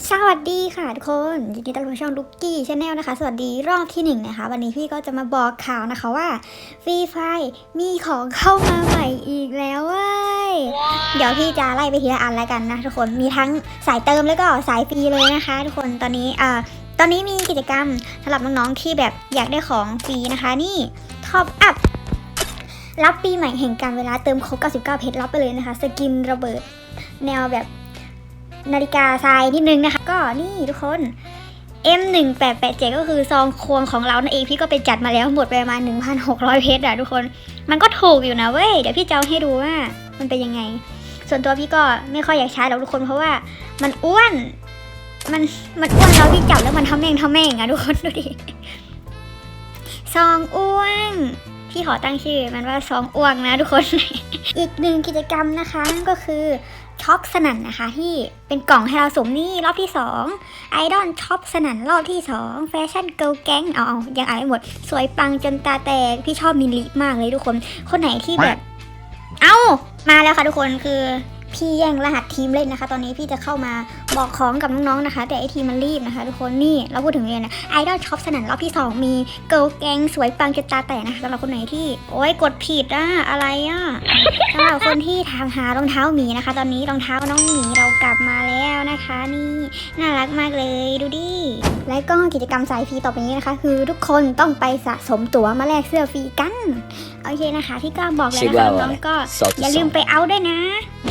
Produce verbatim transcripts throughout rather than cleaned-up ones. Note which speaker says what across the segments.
Speaker 1: สวัสดีค่ะทุกคนยินดีต้อนรับช่องลุกกี้ชาแนลนะคะสวัสดีรอบที่หนึ่งนะคะวันนี้พี่ก็จะมาบอกข่าวนะคะว่าฟรีไฟมีของเข้ามาใหม่อีกแล้วเว้ย wow. เดี๋ยวพี่จะไล่ไปทีละอันแล้วกันนะทุกคนมีทั้งสายเติมแล้วก็สายฟรีเลยนะคะทุกคนตอนนี้อ่าตอนนี้มีกิจกรรมสำหรับน้องๆที่แบบอยากได้ของฟรีนะคะนี่ท็อปอัพรับปีใหม่แห่งการเวลาเติมครบเก้าสิบเก้าเพชรรับไปเลยนะคะสกินระเบิดแนวแบบนาฬิกาทรายนิดนึงนะคะก็นี่ทุกคน เอ็ม หนึ่งแปดแปดเจ็ด ก็คือซองควงของเรานั่นเองพี่ก็ไปจัดมาแล้วหมดไปประมาณ หนึ่งพันหกร้อย เพชรอะทุกคนมันก็ถูกอยู่นะเว้ยเดี๋ยวพี่จะเอาให้ดูว่ามันเป็นยังไงส่วนตัวพี่ก็ไม่ค่อยอยากใช้หรอกทุกคนเพราะว่ามันอ้วนมันมันอ้วนเราพี่จับแล้วมันทำแม่งทำแม่งอะทุกคนดูดิซองอ้วนพี่ขอตั้งชื่อมันว่าซองอ้วงนะทุกคน อีกหนึ่งกิจกรรมนะคะนั่นก็คือช็อปสนั่นนะคะที่เป็นกล่องให้เราสมนี่รอบที่สองไอดอลช็อปสนั่นรอบที่สองแฟชั่นเกิร์ลแก๊งเอายังอ่านไม่หมดสวยปังจนตาแตกพี่ชอบมิลลิมากเลยทุกคนคนไหนที่แบบเอ้ามาแล้วค่ะทุกคนคือพี่แย่งรหัสทีมเล่นนะคะตอนนี้พี่จะเข้ามาบอกของกับน้องๆนะคะแต่ไอทีมมันรีบนะคะทุกคนนี่เราพูดถึงเลยนะไอดอลช็อปสนั่นรอบที่สองมีเกิร์ลแก๊งสวยปังจนตาแตกนะคะสำหรับคนไหนที่โอ๊ยกดผิดอะอะไรอะสำหรับคนที่ถามหารองเท้าหมีนะคะตอนนี้รองเท้าน้องหมีเรากลับมาแล้วนะคะนี่น่ารักมากเลยดูดิและก็กิจกรรมสายฟรีต่อไปนี้นะคะคือทุกคนต้องไปสะสมตั๋วมาแลกเสื้อฟรีกันโอเคนะคะพี่ก็บอกเลยนะคะน้องๆก็อย่าลืมไปเอาด้วยนะ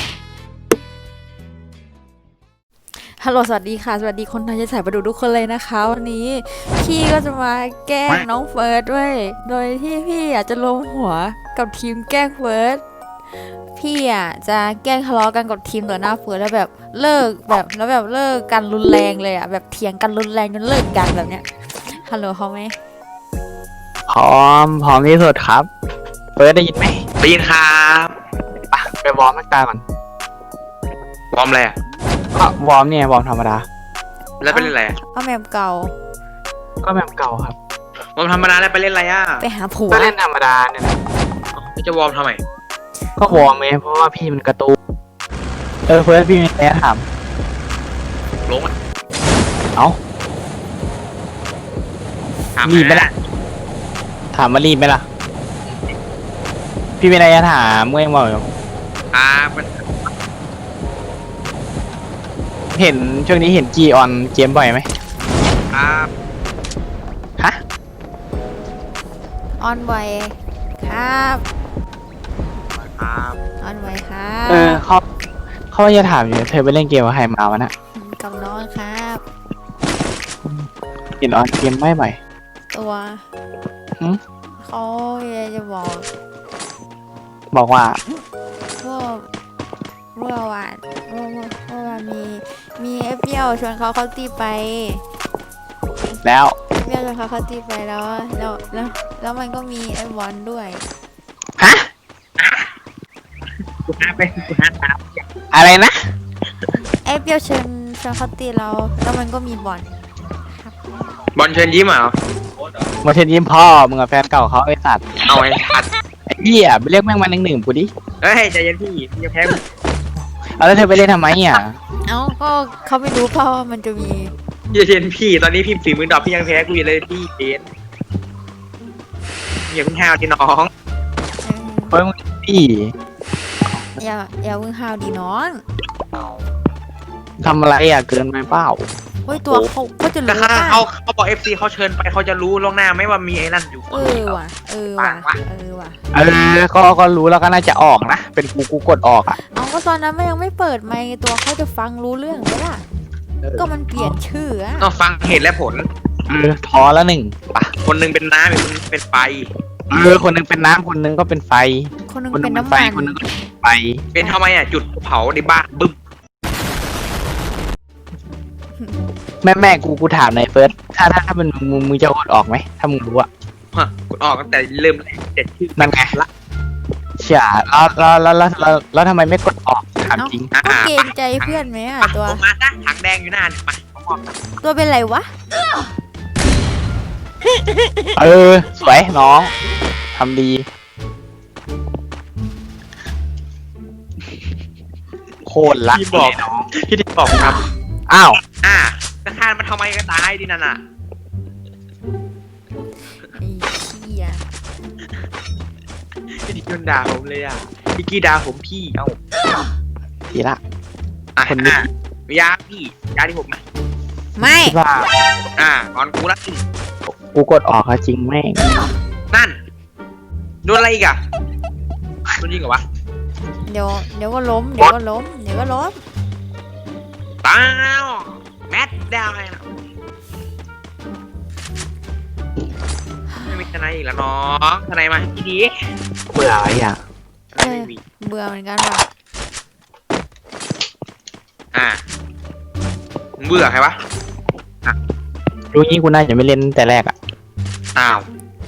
Speaker 2: ฮัลโหลสวัสดีค่ะสวัสดีคนไทยจะสายประดูทุกคนเลยนะคะวันนี้พี่ก็จะมาแกล้งน้องเฟิร์สด้วยโดยที่พี่อยากจะลงหัวกับทีมแกล้งเฟิร์สพี่อ่ะจะแกล้งทะเลาะกันกับทีมต่อหน้าเฟิร์สแล้วแบบเลิกแบบแล้วแบบเลิกกันรุนแรงเลยอ่ะแบบเถียงกันรุนแรงจนเลิกกันแบบเนี้ยฮัลโหลเขาไหม
Speaker 3: พร้อมพร้อมที่สุดครับเฟิร์สได้ยินไหม
Speaker 4: ได้ยินครับ
Speaker 3: ไปไปวอร์มร่างกายก่อน
Speaker 4: วอร์มอะไรอ่ะ
Speaker 3: ก็วอร์มเนี่ยวอร์มธรรมดา
Speaker 4: แล้วไปเล่นอะไร
Speaker 2: ก็แมปเก่า
Speaker 3: ก็แบบเก่าครับ
Speaker 4: วอร์มธรรมดาแล้วไปเล่นอะไรอ่ะ
Speaker 2: ไปหาผัว
Speaker 3: ก็เล่นธรรมดาเนี่ยนะ
Speaker 4: จะวอร์มทำไม
Speaker 3: ก็วอร์มไงเพราะว่าพี่มันกระตูเออเฟิร์สพี่มีอะไรถาม
Speaker 4: ลง
Speaker 3: เอ้ารีบไหมล่ะถามมารีบไหมล่ะพี่มีอะไรจะถามเมื่อยังบอกอยู่
Speaker 4: อ่า
Speaker 3: เห็นช่วงนี้เห็นจีออนเกมบ่อยไหม
Speaker 4: ครับ
Speaker 3: ฮะ
Speaker 2: ออนบ่อยครับ
Speaker 4: ครับ
Speaker 2: ออนบ่อยครับ
Speaker 3: เออเขาเขาจะถามอยู่เธอไปเล่นเกมกับใครมาวะน่ะ
Speaker 2: กับน้องครับ
Speaker 3: เห็นออนเกมไม่บ่อย
Speaker 2: ตัวเขาจะบอก
Speaker 3: บอกว่า
Speaker 2: ว่าเมื่อวานเมื่อเมื่อวานมีมีเอฟเปียวชวนเขาเขาตีไป
Speaker 3: แล้ว
Speaker 2: เอฟเปียวชวนเขาเขาตีไปแล้วแล้วแล้วแล้วมันก็มีไอ้บอลด้วย
Speaker 3: ฮะ
Speaker 4: กูหาไปกูหาตาม
Speaker 3: อะไรนะ
Speaker 2: เอฟเปียวชวนชวนเขาตีเราแล้วมันก็มีบอล
Speaker 4: บอลเชิญยิ้มเหรอ
Speaker 3: มาเชิญยิ้มพ่อมึงกับแฟนเก่าเขาไอ้สัตว์
Speaker 4: เอาไอ้สัตว์
Speaker 3: ไอ้เหี้ยไปเรียกแม่งมาหนึ่งหนึ่งกูดิ
Speaker 4: เฮ้ยใจเย็นพี่พี่จะแพ้
Speaker 3: เอาแล้วเธอไปเล่นทำไมอ่ะ
Speaker 2: เอ้าก็เขาไม่รู้เพราะมันจะมี
Speaker 4: เย็นพี่ตอนนี้พี่ฝีมือดอกพี่ยังแพ้กูอยู่เลยพี่เย็นอย่าเพิ่งห้าวที่น้อง
Speaker 3: เฮ้ยมึงพี่
Speaker 2: อย่าอย่าเพิ่งห้าวดีน้อง
Speaker 3: ทำอะไรอ่ะเกินไปเปล่า
Speaker 2: เฮ้ยตัวเขาเขาจะรู้
Speaker 4: ว่าเขาเขาบอกเอฟซีเขาเชิญไปเขาจะรู้ล่วงหน้าไม่ว่ามีไอ้นั่นอยู่
Speaker 2: เออว่ะเออว่ะเออว่ะ
Speaker 3: เออก็ก็รู้แล้วก็น่าจะออกนะเป็นกูกูกดออกอ่ะ
Speaker 2: เอาก็ตอนนั้นมันยังไม่เปิดไมค์ตัวเขาจะฟังรู้เรื่องไหมล่ะก็มันเปลี่ยนชื่ออ่ะ
Speaker 4: ก็ฟังเหตุและผล
Speaker 3: เออทอแล้วหนึ่ง
Speaker 4: ป่ะคนนึงเป็นน้ำอีกคนนึงเป็นไฟ
Speaker 3: เออคนนึงเป็นน้ำคนนึงก็เป็นไฟ
Speaker 2: คนนึงเป็นน้ำมัน
Speaker 3: คนนึงเป็นไฟ
Speaker 4: เป็นทำไมอ่ะจุดเผาในบ้านบึ้ม
Speaker 3: แม่แม่กูกูถามหน่อยเฟิร์สถ้าถ้าถ้าเป็นมึงมึงจะกดออกไหมถ้ามึงรู้อะ
Speaker 4: ฮะกดออกตั้งแต่เริ่มแรกแต่ชื่อ
Speaker 3: นั่นไงละเชี่ยแล้วแล้วแล้วแล้วแล้วทำไมไม่กดออกถามจริง
Speaker 2: ก็เกรงใจเพื่อนไหมอ่ะตัว
Speaker 4: มาซะถังแดงอยู่หน้าเนี่ยมา
Speaker 2: ตัวเป็นไรวะ
Speaker 3: เออสวยน้องทำดีโคตรรัก
Speaker 4: พี่บอกพี่ที่บอกครับ
Speaker 3: อ้าว
Speaker 4: อ่าจะฆ่ามันทำไมก็ตายดินั่นน่ะ
Speaker 2: ไอ้เหี้ย
Speaker 4: พี่ดิโดนด่าผมเลยอ่ะพี่กี้ด่าผมพี่เอ้า
Speaker 3: ทีละ
Speaker 4: อ่ะ
Speaker 3: คนนี้
Speaker 4: อ่ะยาพี่ยาที่ผมไหม
Speaker 2: ไม่
Speaker 3: คิดว่า
Speaker 4: อ่ะงอนกูละ
Speaker 3: กูกดออกเขาจริงแม่ง
Speaker 4: นั่นโดนอะไรอีกอ่ะโดนยิงเหรอวะ
Speaker 2: เดี๋ยวเดี๋ยวก็ล้มเดี๋ยวก็ล้มเดี๋ยวก็ล้ม
Speaker 4: ตาวแมทดาวไงนะไม่มีทนายอีกแล้วน้องทนายมาที่ดี
Speaker 3: เบื่อไอ้อ่ะ
Speaker 4: ทนายไม่มี
Speaker 2: เบื่อเหมือนกันว่ะ
Speaker 4: อ่ะมึงเบื่อใครวะ
Speaker 3: รู้งี้กูน่าจะไม่เล่นแต่แรกอ่ะ
Speaker 4: อ้าว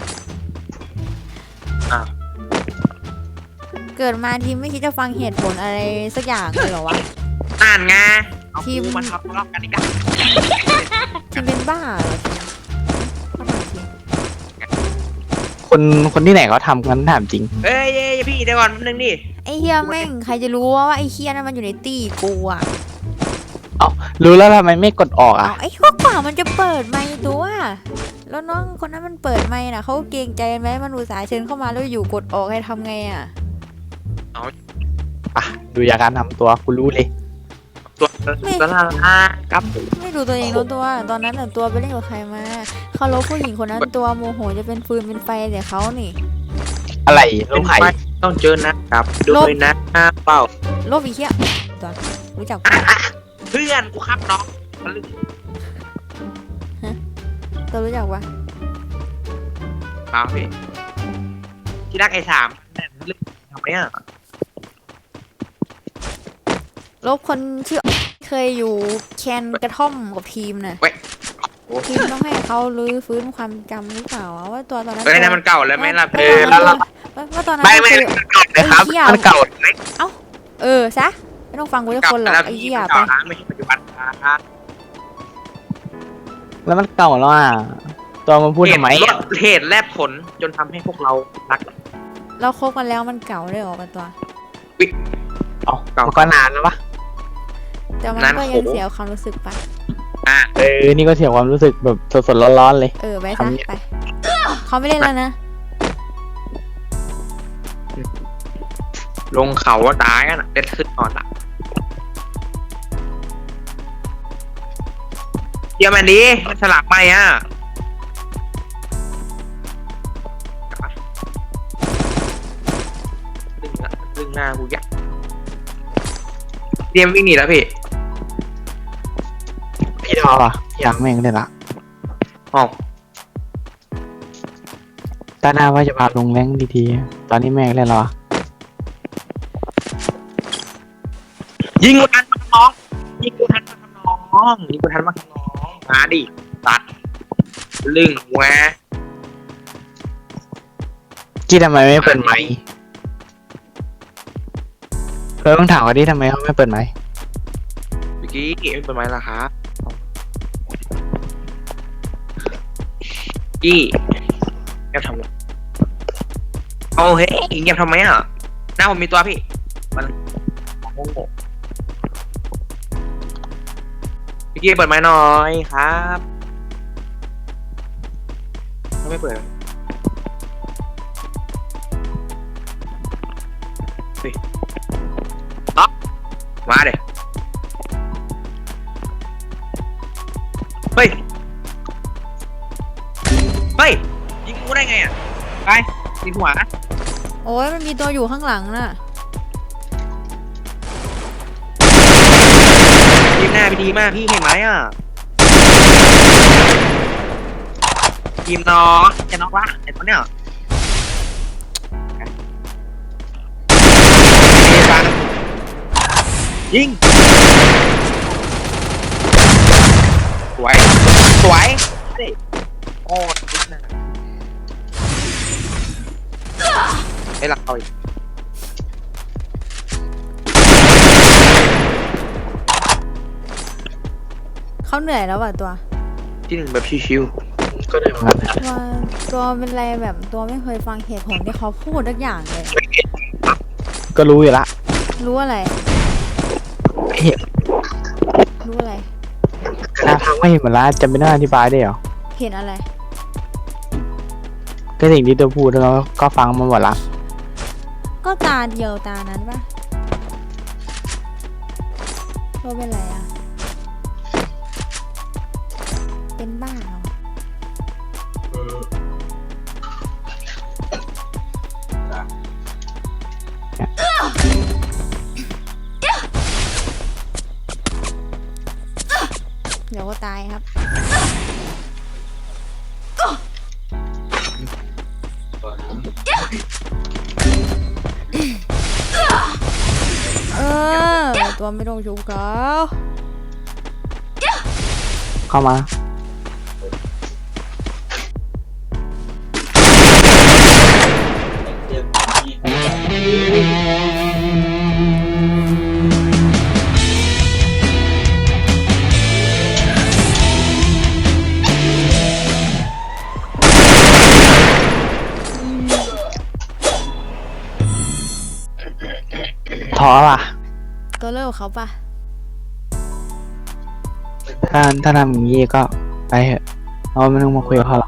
Speaker 4: อ้าว
Speaker 2: เกิดมาทีมไม่คิดจะฟังเหตุผลอะไรสักอย่างเลยเหรอวะ
Speaker 4: อ่านไงเอา
Speaker 2: ทีม
Speaker 4: กูมาทะเลาะกันอีกแล้ว
Speaker 2: ทีมเป็นบ้าเหรอทีมเข้ามาทีม
Speaker 3: คนคนที่ไหนเขาทำกันถามจริง
Speaker 4: เอ้ยเอ้ยพี่เดี๋ยวก่อนแป๊บนึงดิ
Speaker 2: ไอ้เฮียแม่งใครจะรู้ว่าว่าไอ้เฮียนั่นมันอยู่ในตีกูอ่ะ
Speaker 3: รู้แล้วทำไมไม่กดออก
Speaker 2: เอา
Speaker 3: อ่ะ
Speaker 2: ไอ้ข้อกว่ามันจะเปิดไมค์ตัวแล้วน้องคนนั้นมันเปิดไมค์น่ะเขาเกรงใจไหมมันอุตส่าห์เชิญเข้ามาแล้วอยู่กดออกให้ทำไงอ่ะ
Speaker 3: อ่ะดูจากการทำตัวกูรู้เลย
Speaker 4: ตัวตัวละละครับ
Speaker 2: ไม่ดูตัวเองรู้ตัวตอนนั้นน่ะตัวไปเล่นกับใครมาเขาลบผู้หญิงคนนั้นตัวโมโหจะเป็นฟืนเป็นไฟแต่เขานี่
Speaker 3: อะไรลูกไข่
Speaker 4: ไม่ต้องเจอนะครับด้วยนะเปล่า
Speaker 2: ลบอีกเฮียตัวรู้จัก
Speaker 4: อ่ะ
Speaker 2: ปะ
Speaker 4: อ่ะเพื่อนกูครับน้องทะลึ่ง
Speaker 2: ตัวรู้จักปะ
Speaker 4: เปล่าพี่ที่รักไอ้สามแม่งทะลึ่งทำไมอ่ะ
Speaker 2: ลบคนชื่อเคยอยู่แคนกระท่อมกับทีมน่ะ
Speaker 4: โอ้
Speaker 2: ทีมต้องให้เขาลื้อฟื้นความจำหรือเปล่าอะว่าตัวตอนนั้น
Speaker 4: เอ้ยนั่นมันเก่าแล้วไหมล่ะ
Speaker 2: ว่า
Speaker 4: เออ
Speaker 2: ว่า
Speaker 4: แล้วเรา
Speaker 2: ว่าว่าตอนนั้น
Speaker 3: ไม่ไม่
Speaker 2: คือ
Speaker 3: มันเก่าเลยครับ
Speaker 2: ไอ้เหี้ย
Speaker 3: มันเก่าไหม
Speaker 2: เออซะไม่ต้องฟังกูทุก
Speaker 4: เก่า
Speaker 2: คนหรอก
Speaker 4: แล้ว
Speaker 2: ไอ้
Speaker 4: พี่
Speaker 2: เหี้ย
Speaker 4: มัน
Speaker 2: ไป
Speaker 4: เก่านะไม่ใช่ปัจจุบันนะ
Speaker 3: แล้วมันเก่าแล้วอ่ะตัวมันพูดทำไม
Speaker 4: เห
Speaker 3: อ่ะ
Speaker 4: ตุเหตุแลบผลจนทำให้พวกเรารัก
Speaker 2: เราคบกันแล้วมันเก่าเลยเหรอกันตัว
Speaker 3: เอ้ามันก็นานแล้วปะ
Speaker 2: แต่มัน
Speaker 4: นั้น
Speaker 2: ก็
Speaker 4: โห
Speaker 2: ยังเสียความรู้สึกปะ
Speaker 4: อ่ะ
Speaker 3: เออนี่ก็เสียความรู้สึกแบบสดๆร้อนๆเลย
Speaker 2: เออไปซะ
Speaker 3: ทำเนี่ย
Speaker 2: ไปเขาไม่เล่นแล้วนะ
Speaker 4: ลงเขาว่าตายกันอ่ะเด็ดขึ้นนอนละเดี๋ยวมันดีมันสลับไหมอ่ะดึงละดึงหน้ากูยักเตรียมวิ่งหนีแล้วพี่
Speaker 3: พี่ทอป่ะพี่ยังแม่งเลยละ
Speaker 4: อ๋อ
Speaker 3: ตาหน้าว่าจะพาลงแรงดีๆตอนนี้แม่งเล่นแล้วอ่ะ
Speaker 4: ยิงกูทันมาน้องยิงกูทันมาน้องยิงกูทันมาน้องมาดิตัดลึงแหวะ
Speaker 3: กี้ทำไมไม่เปิดไมค์เราต้องถามเขาดิทำไมเขาไม่เปิดไมค์
Speaker 4: เมื่อกี้ไม่เป็นไรล่ะครับกี้เงียบทำไมโอ้เฮ้ยเงียบทำไมอ่ะหน้าผมมีตัวพี่มันโง่เมื่อกี้เปิดไม้หน่อยครับไม่เปิดเฮ้ยอ๊อกมาเดี๋ย เฮ้ย เฮ้ย ยิงกูได้ไงอ่ะ ไปยิงหัว
Speaker 2: โอ้ยมันมีตัวอยู่ข้างหลังน่ะ
Speaker 4: ยิงหน้าไปดีมากพี่เห็นไหมอ่ะทีมน้องจะน็อกวะไอ้ตัวเนี้ยยิง สวย สวยเฮ้ยโอ้ยไม่หลักเอาอีก
Speaker 2: เขาเหนื่อยแล้วว่ะตัว
Speaker 4: ที่หนึ่งแบบชิว
Speaker 3: ก็ได้เหมือนกัน
Speaker 2: ตัวตัวเป็นอะไรแบบตัวไม่เคยฟังเหตุผลที่เขาพูดทุกอย่างเลย
Speaker 3: ก็รู้อยู่ละ
Speaker 2: รู้อะไร
Speaker 3: เห็น
Speaker 2: รู้อะไร
Speaker 3: น่าทไม่เห็นหมดละจะไม่ต้องอธิบายได้เหรอ
Speaker 2: เห็นอะไร
Speaker 3: ก็สิ่งที่ตัวพูดแล้วก็ฟังมาหมดละ
Speaker 2: ก็ตาเดียวตานั้นปะเราเป็นไรอะเป็นบ้าเหรอเดี๋ยวก็ตายครับ เออ ตัวไม่ต้องชุบเขา
Speaker 3: เข้ามาท้อป่ะ
Speaker 2: ตัวเลิกกับเขาปะ
Speaker 3: ถ้าถ้าทำอย่างนี้ก็ไปเถอะเราไม่ต้องมาคุยกับเขาหรอก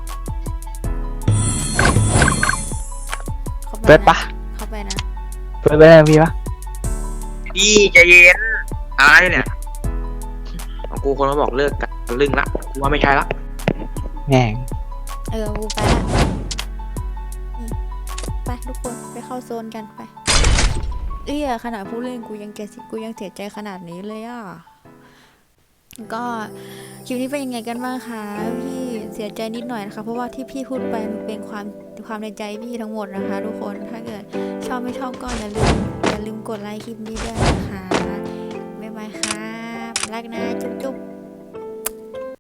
Speaker 2: เขา
Speaker 3: เปิดปะ
Speaker 2: เขาไปนะ
Speaker 3: เปิดไปได้พี่ปะ
Speaker 4: พี่ใจเย็นอะไรเนี่ยของกูคนมาบอกเลิกกันลึงละกูว่าไม่ใช่ละ
Speaker 3: แง่ง
Speaker 2: เออกูไปละอืมไปทุกคนไปเข้าโซนกันไปเอ้ยขนาดผู้เล่นกูยังเกสิกูยังเสียใจขนาดนี้เลยอ่ะก็คลิปนี้เป็นยังไงกันบ้างคะพี่เสียใจนิดหน่อยนะคะเพราะว่าที่พี่พูดไปมันเป็นความความในใจพี่ทั้งหมดนะคะ ทุกคนถ้าเกิดชอบไม่ชอบก็อย่าลืมอย่าลืมกดไลค์คลิปนี้ด้วยนะคะบ๊ายบายครับรักนะจุ๊บจุ๊บ